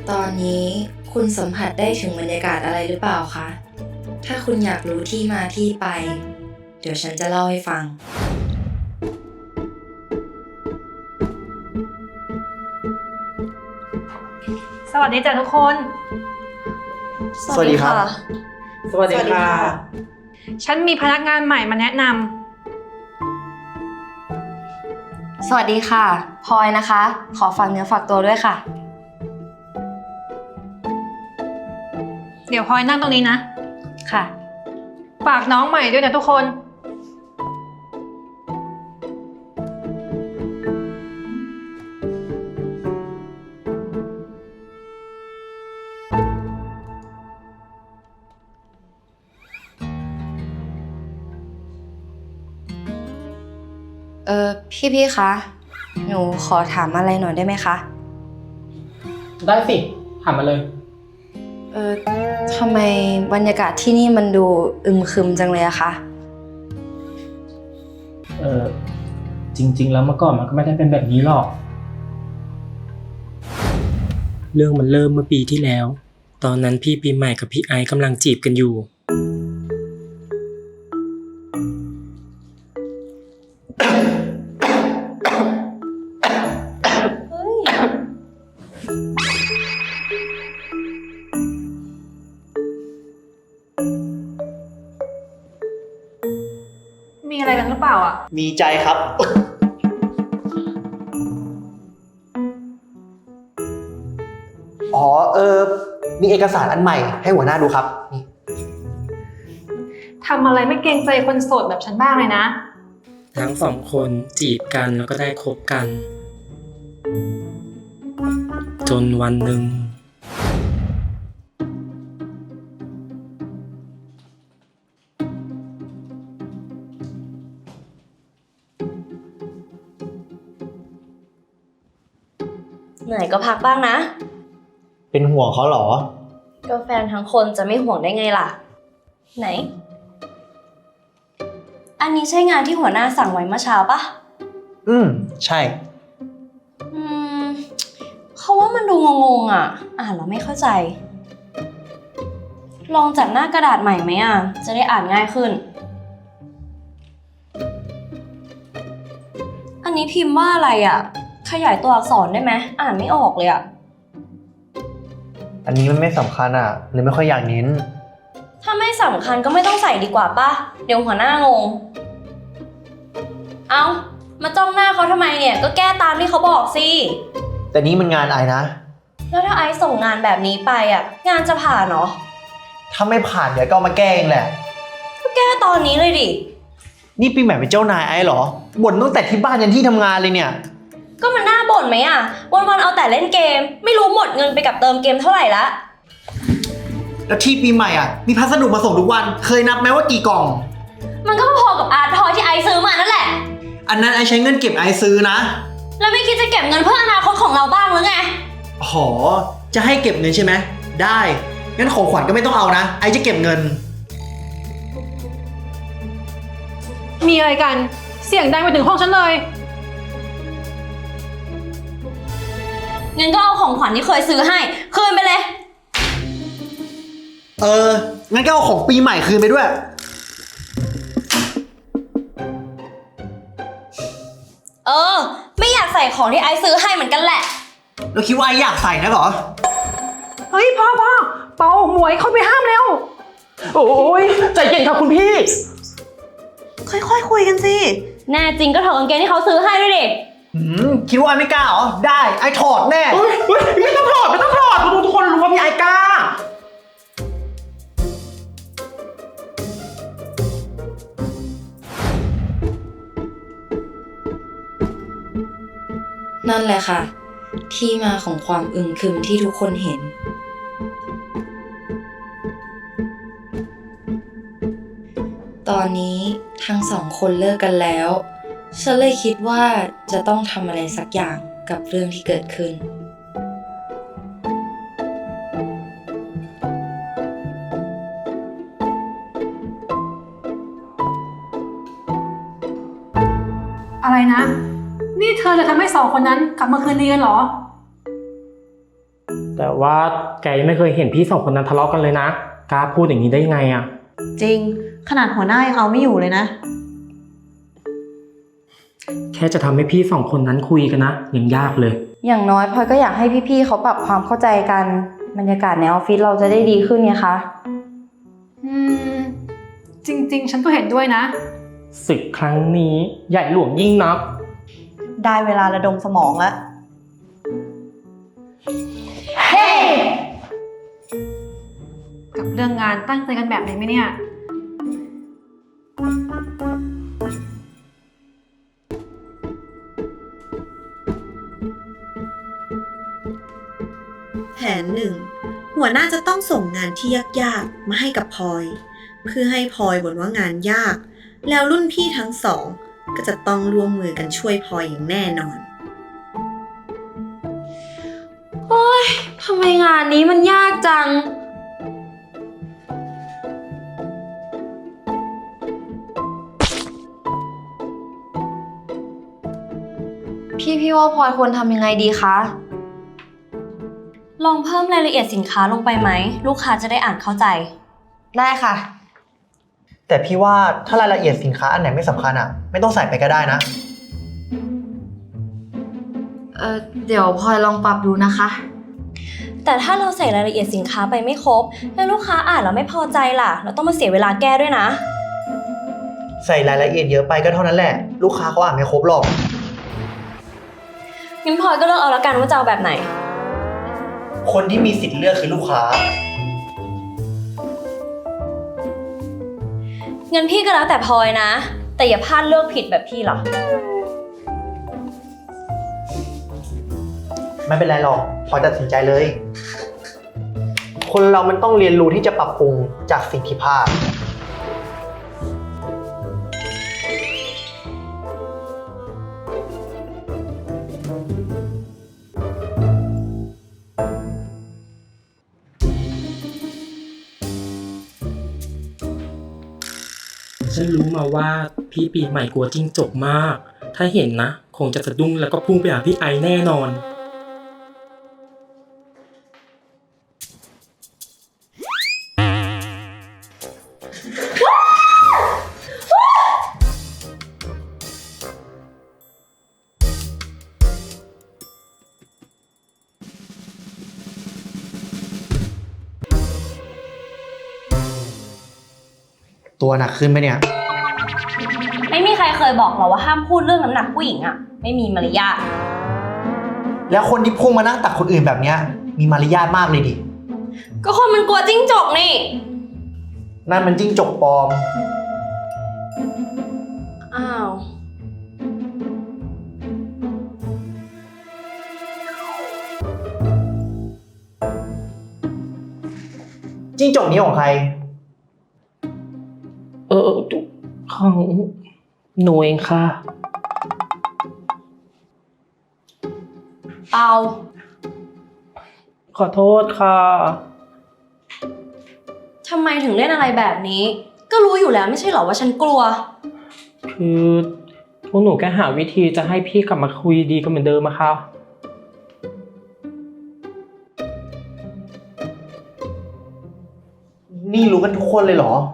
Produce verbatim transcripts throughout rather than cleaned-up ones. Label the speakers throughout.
Speaker 1: ตอนนี้คุณสัมผัสได้ถึงบรรยากาศอะไรหรือเปล่าคะ ถ้าคุณอยากรู้ที่มาที่ไป เดี๋ยวฉันจะเล่าให้ฟัง
Speaker 2: สวัสดีจ้ะทุกคน
Speaker 3: สวัสดีครับ
Speaker 4: สวัสดีค่ะ
Speaker 2: ฉันมีพนักงานใหม่มาแนะนำ
Speaker 1: สวัสดีค่ะพลอยนะคะ ขอฝากเนื้อฝากตัวด้วยค่ะ
Speaker 2: เดี๋ยวพลอยนั่งตรงนี้นะ
Speaker 1: ค่ะ
Speaker 2: ฝากน้องใหม่ด้วยนะทุกคน
Speaker 1: เออพี่พี่คะ หนูขอถามอะไรหน่อยได้ไหมคะ
Speaker 4: ได้สิถามมาเลย
Speaker 1: เออทำไมบรรยากาศที่นี่มันดูอึมครึมจังเลยอะคะ
Speaker 4: เออจริง ๆ แล้วเมื่อก่อนมันก็ไม่ได้เป็นแบบนี้หรอก เรื่องมันเริ่มเมื่อปีที่แล้ว ตอนนั้นพี่ปีใหม่กับพี่ไอซ์กำลังจีบกันอยู่
Speaker 2: มีอะไรกันหรือเปล่าอ่ะ
Speaker 3: มีใจครับ อ๋อ เออ มีเอกสารอันใหม่ให้หัวหน้าดูครับ นี่
Speaker 2: ทำอะไรไม่เกรงใจคนโสดแบบฉันบ้างเลยนะ
Speaker 4: ทั้งสองคนจีบกันแล้วก็ได้คบกัน จนวันหนึ่ง
Speaker 1: เหนื่อยก็พักบ้างนะ
Speaker 3: เป็นห่วงเขาเหรอ
Speaker 1: ก็แฟนทั้งคนจะไม่ห่วงได้ไงล่ะ ไหน อันนี้ใช่งานที่หัวหน้าสั่งไว้เมื่อเช้าปะ
Speaker 3: อืม ใช่
Speaker 1: อืมเขาว่ามันดูงงๆอ่ะ อ่านแล้วไม่เข้าใจ ลองจัดหน้ากระดาษใหม่ไหมอ่ะ จะได้อ่านง่ายขึ้น อันนี้พิมพ์ว่าอะไรอ่ะ ขยายตัวอักษรได้ไหมอ่านไม่ออกเลยอ่ะ
Speaker 3: อันนี้มันไม่สำคัญอ่ะเลยไม่ค่อยอยากเน้น
Speaker 1: ถ้าไม่สำคัญก็ไม่ต้องใส่ดีกว่าป่ะ เดี๋ยวหัวหน้างง เอามาจ้องหน้าเขาทำไมเนี่ย ก็แก้ตามที่เขาบอกสิ
Speaker 3: แต่นี้มันงานไอนะ
Speaker 1: แล้วถ้าไอซ์ส่งงานแบบนี้ไปอ่ะ งานจะผ่านเหรอ
Speaker 3: ถ้าไม่ผ่านเดี๋ยวก็เอามาแก้เองแหละ
Speaker 1: ก็แก้ตอนนี้เลยดิ
Speaker 3: นี่ปีใหม่เป็นเจ้านายไอ้เหรอ บ่นตั้งแต่ที่บ้านยันที่ทำงานเลยเนี่ย
Speaker 1: ก็มันน่าบ่นไหมอ่ะ วันๆเอาแต่เล่นเกม ไม่รู้หมดเงินไปกับเติมเกมเท่าไหร่ละ
Speaker 3: แล้วที่ปีใหม่อ่ะ มีพัสดุมาส่งทุกวัน เคยนับไหมว่ากี่กล่อง
Speaker 1: มันก็พอกับอาร์ตทอยที่ไอซ์ซื้อมานั่นแหละ
Speaker 3: อันนั้นไอใช้เงินเก็บไอซื้อนะ
Speaker 1: แล้วไม่คิดจะเก็บเงินเพื่ออนาคตของเราบ้างหรือไง
Speaker 3: หอ จะให้เก็บเงินใช่ไหม ได้ งั้นของขวัญก็ไม่ต้องเอานะ ไอจะเก็บเงิน
Speaker 2: มีอะไรกัน เสียงดังไปถึงห้องฉันเลย
Speaker 1: เงินก็เอาของขวัญที่เคยซื้อให้ คืนไปเลย
Speaker 3: เออ งั้นก็เอาของปีใหม่คืนไปด้วย
Speaker 1: เออ ไม่อยากใส่ของที่ไอซ์ซื้อให้เหมือนกันแหละ
Speaker 3: แล้วคิดว่าไออยากใส่นะเหรอ
Speaker 2: เฮ้ยพ่อพ่อเปาหมวยเข้าไปห้ามเร็ว
Speaker 4: โอ้ยใจเย็นครับคุณพี่
Speaker 1: ค่อยๆคคุยกันสิ แน่จริงก็ถอดกางเกงที่เขาซื้อให้ด้วยดิ
Speaker 3: หืม คิดว่าไอไม่กล้าเหรอ ได้ ไอถอดแน่
Speaker 4: เฮ้ยเฮ้ยไม่ต้องถอดไม่ต้องถอดทุกคนรู้ว่าพี่ไอกล้า
Speaker 1: นั่นแหละค่ะ ที่มาของความอึมครึมที่ทุกคนเห็น ตอนนี้ทั้งสองคนเลิกกันแล้ว ฉันเลยคิดว่าจะต้องทำอะไรสักอย่างกับเรื่องที่เกิดขึ้น
Speaker 2: อะไรนะ นี่เธอจะทำให้สองคนนั้นกลับมาคืนดีกันเหรอ
Speaker 4: แต่ว่าแกยังไม่เคยเห็นพี่สองคนนั้นทะเลาะกันเลยนะกล้าพูดอย่างนี้ได้ยังไงอะ
Speaker 5: จริงขนาดหัวหน้ายังเอาไม่อยู่เลยนะ
Speaker 4: แค่จะทำให้พี่สองคนนั้นคุยกันนะยังยากเลย
Speaker 1: อย่างน้อยพลอยก็อยากให้พี่ๆเขาปรับความเข้าใจกันบรรยากาศในออฟฟิศเราจะได้ดีขึ้นไงคะ
Speaker 2: อืม จริงๆ ฉันก็เห็นด้วยนะ
Speaker 4: ศึกครั้งนี้ใหญ่หลวงยิ่งนัก
Speaker 5: ได้เวลาระดมสมองแล้ว
Speaker 2: กับเรื่องงานตั้งใจกันแบบนี้ไหมเนี่ย
Speaker 6: แผนหนึ่งหัวหน้าจะต้องส่งงานที่ยากๆมาให้กับพลอยเพื่อให้พลอยบ่นว่างานยากแล้วรุ่นพี่ทั้งสองก็จะต้องร่วมมือกันช่วยพลอยอย่างแน่นอน
Speaker 1: โอ๊ยทำไมงานนี้มันยากจัง พี่พี่ว่าพลอยควรทำยังไงดีคะ
Speaker 7: ลองเพิ่มรายละเอียดสินค้าลงไปไหม ลูกค้าจะได้อ่านเข้าใจ
Speaker 1: ได้ค่ะ
Speaker 3: แต่พี่ว่าถ้ารายละเอียดสินค้าอันไหนไม่สำคัญอ่ะ ไม่ต้องใส่ไปก็ได้นะ
Speaker 1: เออเดี๋ยวพลอยลองปรับดูนะคะ
Speaker 7: แต่ถ้าเราใส่รายละเอียดสินค้าไปไม่ครบ แล้วลูกค้าอ่านแล้วไม่พอใจล่ะ เราต้องมาเสียเวลาแก้ด้วยนะ
Speaker 3: ใส่รายละเอียดเยอะไปก็เท่านั้นแหละ ลูกค้าเขาอ่านไม่ครบหรอก
Speaker 7: งั้นพลอยก็เลือกเอาละกันว่าจะเอาแบบไหน
Speaker 3: คนที่มีสิทธิ์เลือกคือลูกค้า
Speaker 7: งั้นพี่ก็แล้วแต่พลอยนะ แต่อย่าพลาดเลือกผิดแบบพี่หรอ
Speaker 3: ไม่เป็นไรหรอกพลอยตัดสินใจเลย คนเรามันต้องเรียนรู้ที่จะปรับปรุงจากสิ่งที่พลาด
Speaker 4: ฉันรู้มาว่าพี่ปีใหม่กลัวจิ้งจกมาก ถ้าเห็นนะ คงจะสะดุ้งแล้วก็พุ่งไปหาพี่ไอแน่นอน
Speaker 3: ตัวหนักขึ้นไหมเนี่ย
Speaker 7: ไม่มีใครเคยบอกเราว่าห้ามพูดเรื่องน้ำหนักผู้หญิงอะไม่มีมารยาท
Speaker 3: แล้วคนที่พุ่งมานั่งตักคนอื่นแบบเนี้ยมีมารยาทมากเลยดิ
Speaker 7: ก็คนมันกลัวจิ้งจกนี่
Speaker 3: นั่นมันจิ้งจกปลอม
Speaker 7: อ้าว
Speaker 3: จิ้งจกนี้ของใคร
Speaker 4: เออของหนูเองค่ะ
Speaker 7: เอา
Speaker 4: ขอโทษค่ะ
Speaker 7: ทำไมถึงเล่นอะไรแบบนี้ ก็รู้อยู่แล้วไม่ใช่เหรอว่าฉันกลัว
Speaker 4: คือพวกหนูแค่หาวิธีจะให้พี่กลับมาคุยดีกันเหมือนเดิมอะค่ะ
Speaker 3: นี่รู้กันทุกคนเลยเหรอ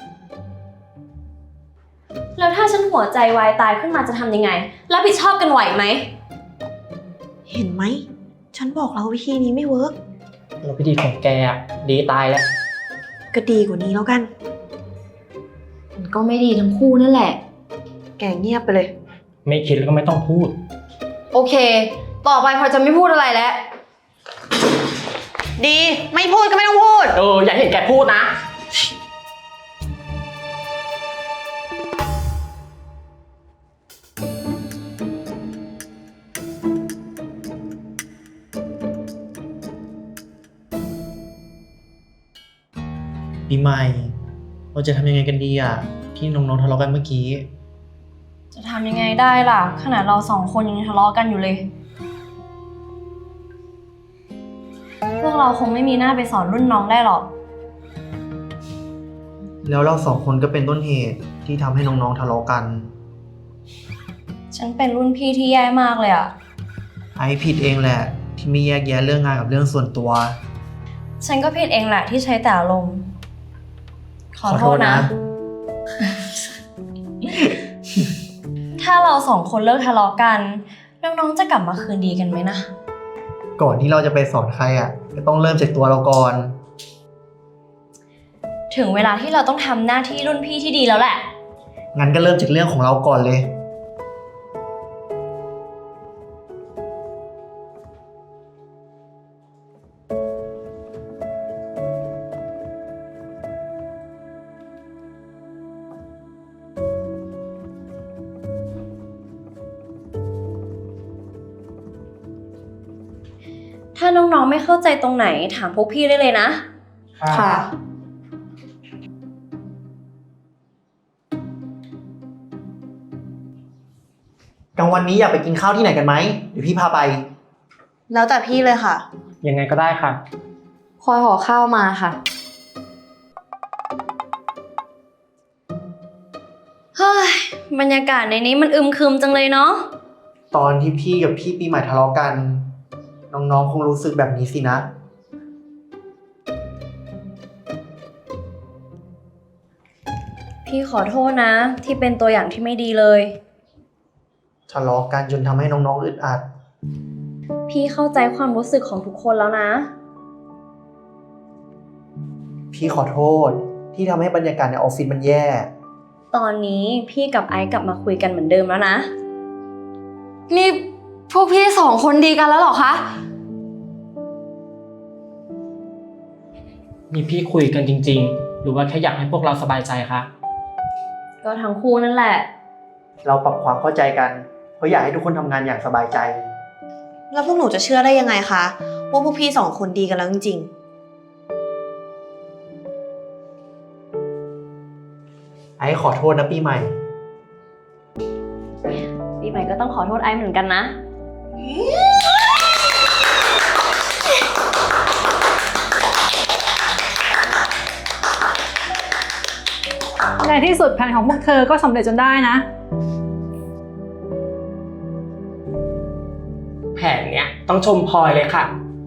Speaker 7: แล้วถ้าฉันหัวใจวายตายขึ้นมาจะทำยังไง รับผิดชอบกันไหวไหม
Speaker 5: เห็นไหม ฉันบอกแล้ววิธีนี้ไม่เวิร์ก
Speaker 4: แล้ววิธีของแกอะดีตายแล้ว
Speaker 5: ก็ดีกว่านี้แล้วกัน
Speaker 1: มันก็ไม่ดีทั้งคู่นั่นแหละ
Speaker 5: แกเงียบไปเลย
Speaker 4: ไม่คิดแล้วก็ไม่ต้องพูด
Speaker 1: โอเค ต่อไปพลอยจะไม่พูดอะไรแล้ว
Speaker 5: ดี ไม่พูดก็ไม่ต้องพูด
Speaker 4: เอออย่าเห็นแกพูดนะ
Speaker 3: ปีใหม่ เราจะทำยังไงกันดีอ่ะ ที่น้องๆทะเลาะกันเมื่อกี้
Speaker 7: จะทำยังไงได้ล่ะ ขนาดเราสองคนยังทะเลาะกันอยู่เลย พวกเราคงไม่มีหน้าไปสอนรุ่นน้องได้หรอก
Speaker 3: แล้วเราสองคนก็เป็นต้นเหตุที่ทำให้น้องๆทะเลาะกัน
Speaker 7: ฉันเป็นรุ่นพี่ที่แย่มากเลยอะ
Speaker 3: ไอผิดเองแหละที่ไม่แยกแยะเรื่องงานกับเรื่องส่วนตัว
Speaker 7: ฉันก็ผิดเองแหละที่ใช้แต่อารมณ์ขอโทษนะ ถ้าเราสองคนเลิกทะเลาะกันน้องๆจะกลับมาคืนดีกันไหมนะ
Speaker 3: ก่อนที่เราจะไปสอนใครอ่ะก็ต้องเริ่มจากตัวเราก่อน
Speaker 7: ถึงเวลาที่เราต้องทำหน้าที่รุ่นพี่ที่ดีแล้วแหละ
Speaker 3: งั้นก็เริ่มจากเรื่องของเราก่อนเลย
Speaker 7: ถ้าน้องๆไม่เข้าใจตรงไหนถามพวกพี่ได้เลยนะ
Speaker 1: ค่ะ
Speaker 3: กลางวันนี้อยากไปกินข้าวที่ไหนกันไหมเดี๋ยวพี่พาไป
Speaker 5: แล้วแต่พี่เลยค่ะ
Speaker 4: ยังไงก็ได้ค่ะ
Speaker 1: พลอยห่อข้าวมาค่ะ
Speaker 7: เฮ้ย บรรยากาศในนี้มันอึมครึมจังเลยเนาะ
Speaker 3: ตอนที่พี่กับพี่ปีใหม่ทะเลาะกัน น้องๆคงรู้สึกแบบนี้สินะ
Speaker 7: พี่ขอโทษนะ ที่เป็นตัวอย่างที่ไม่ดีเลย
Speaker 3: ทะเลาะกันจนทำให้น้องๆอึดอัด
Speaker 7: พี่เข้าใจความรู้สึกของทุกคนแล้วนะ
Speaker 3: พี่ขอโทษที่ทำให้บรรยากาศในออฟฟิศมันแย่
Speaker 7: ตอนนี้พี่กับไอซ์กลับมาคุยกันเหมือนเดิมแล้วนะ
Speaker 1: นี่พวกพี่สองคนดีกันแล้วเหรอคะ
Speaker 4: มีพี่คุยกันจริงๆ หรือว่าแค่อยากให้พวกเราสบายใจคะ
Speaker 7: ก็ทั้งคู่นั่นแหละ
Speaker 3: เราปรับความเข้าใจกัน เพราะอยากให้ทุกคนทำงานอย่างสบายใจ
Speaker 5: แล้วพวกหนูจะเชื่อได้ยังไงคะว่าพวกพี่สองคนดีกันแล้วจริง
Speaker 3: ไอ้ขอโทษนะปีใหม่
Speaker 7: ปีใหม่ก็ต้องขอโทษไอซ์เหมือนกันนะ
Speaker 2: ในที่สุดแผนของพวกเธอก็สำเร็จจนได้นะ
Speaker 4: แผนเนี้ยต้องชมพลอยเลยค่ะ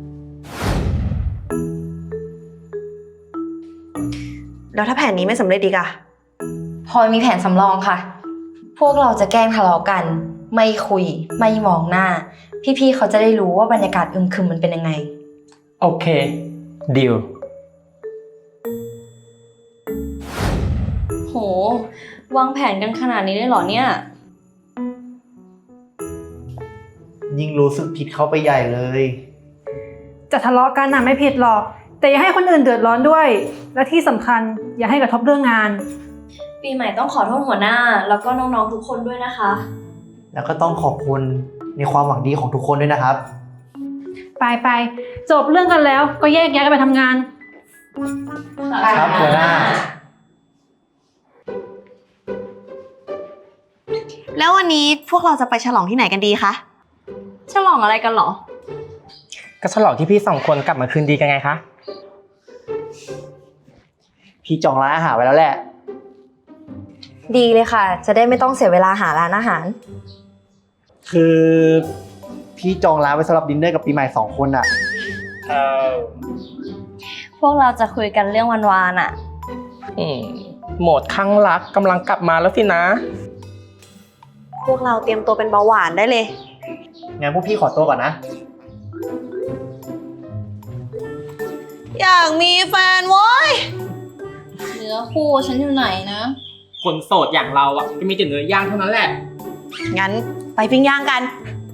Speaker 5: ๆ แล้วถ้าแผนนี้ไม่สำเร็จดีกอะ
Speaker 1: พลอยมีแผนสำรองค่ะ พวกเราจะแกล้งทะเลาะกัน ไม่คุย ไม่มองหน้า พี่ๆเขาจะได้รู้ว่าบรรยากาศอึมครึมมันเป็นยังไง
Speaker 4: โอเคดีล
Speaker 7: โห วางแผนกันขนาดนี้เลยเหรอเนี่ย
Speaker 3: ยิ่งรู้สึกผิดเข้าไปใหญ่เลย
Speaker 2: จะทะเลาะกันน่ะไม่ผิดหรอก แต่อย่าให้คนอื่นเดือดร้อนด้วย และที่สำคัญอย่าให้กระทบเรื่องงาน
Speaker 7: ปีใหม่ต้องขอโทษหัวหน้า แล้วก็น้องๆทุกคนด้วยนะคะ
Speaker 3: แล้วก็ต้องขอบคุณในความหวังดีของทุกคนด้วยนะครับ
Speaker 2: ไปไปจบเรื่องกันแล้วก็แยกย้ายกันไปทำงาน
Speaker 3: ครับหัวหน้า
Speaker 5: แล้ววันนี้พวกเราจะไปฉลองที่ไหนกันดีคะ
Speaker 7: ฉลองอะไรกันเหรอ
Speaker 4: ก็ฉลองที่พี่สองคนกลับมาคืนดีกันไงคะ
Speaker 3: พี่จองร้านอาหารไว้แล้วแหละ
Speaker 1: ดีเลยค่ะ จะได้ไม่ต้องเสียเวลาหาร้านอาหาร
Speaker 3: คือพี่จองร้านไว้สำหรับดินเนอร์กับปีใหม่สองคนอะ
Speaker 4: เออ
Speaker 7: พวกเราจะคุยกันเรื่องวันวานอะ
Speaker 4: อืมโหมดข้างรักกำลังกลับมาแล้วสินะ
Speaker 5: พวกเราเตรียมตัวเป็นเบาหวานได้เลย
Speaker 3: งั้นพวกพี่ขอตัวก่อนนะ
Speaker 5: อยากมีแฟนโว้ย
Speaker 7: เนื้อคู่ฉันอยู่ไหนนะ
Speaker 4: คนโสดอย่างเราอ่ะก็มีแต่เนื้อย่างเท่านั้นแหละ
Speaker 5: งั้นไปปิ้งย่างกัน
Speaker 7: ไ